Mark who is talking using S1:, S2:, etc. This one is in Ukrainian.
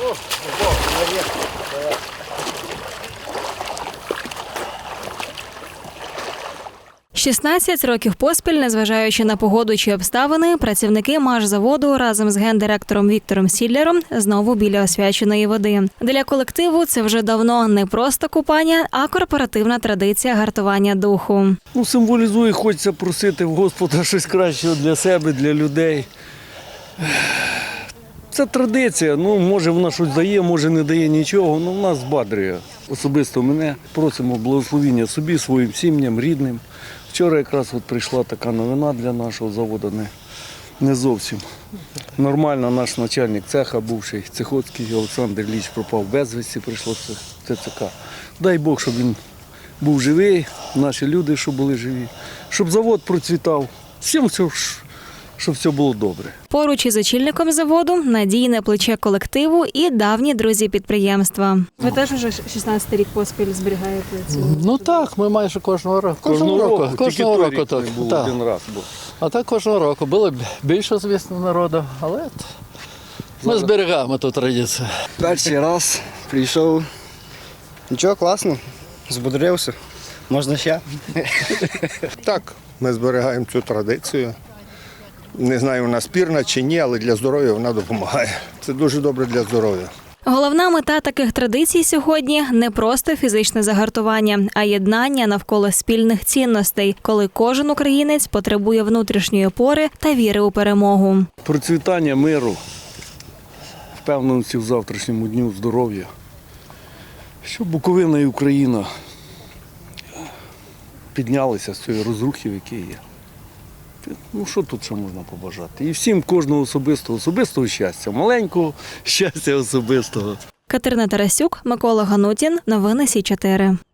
S1: «16 років поспіль, незважаючи на погоду чи обставини, працівники Машзаводу разом з гендиректором Віктором Сіллером знову біля освяченої води. Для колективу це вже давно не просто купання, а корпоративна традиція гартування духу.
S2: Символізує, хочеться просити в Господа щось кращого для себе, для людей. Це традиція, може вона щось дає, може не дає нічого, але нас збадрює. Особисто мене просимо благословіння собі, своїм сім'ям, рідним. Вчора якраз прийшла така новина для нашого заводу, не зовсім. Нормально наш начальник цеха, бувший Цехоцький Олександр Ілліч, пропав безвісті, прийшло ТЦК. Дай Бог, щоб він був живий, наші люди, щоб були живі, щоб завод процвітав, всім щоб все було добре.
S1: Поруч із очільником заводу надійне плече колективу і давні друзі підприємства. Ви теж вже 16 рік поспіль зберігаєте цю?
S3: Так, ми майже кожного року.
S2: Кожного року
S3: так.
S2: Був один раз.
S3: А так кожного року. Було більше, звісно, народу, але ми зберігаємо ту традицію.
S4: Перший раз прийшов. Нічого, класно, збудрився. Можна ще?
S5: Так, ми зберігаємо цю традицію. Не знаю, вона спірна чи ні, але для здоров'я вона допомагає. Це дуже добре для здоров'я.
S1: Головна мета таких традицій сьогодні – не просто фізичне загартування, а єднання навколо спільних цінностей, коли кожен українець потребує внутрішньої опори та віри у перемогу.
S2: Процвітання миру, впевненості в завтрашньому дню, здоров'я, щоб Буковина і Україна піднялися з цієї розрухи, в якій є. Що тут ще можна побажати? І всім кожного особистого щастя, маленького щастя особистого.
S1: Катерина Тарасюк, Микола Ганутін. Новини Сі 4.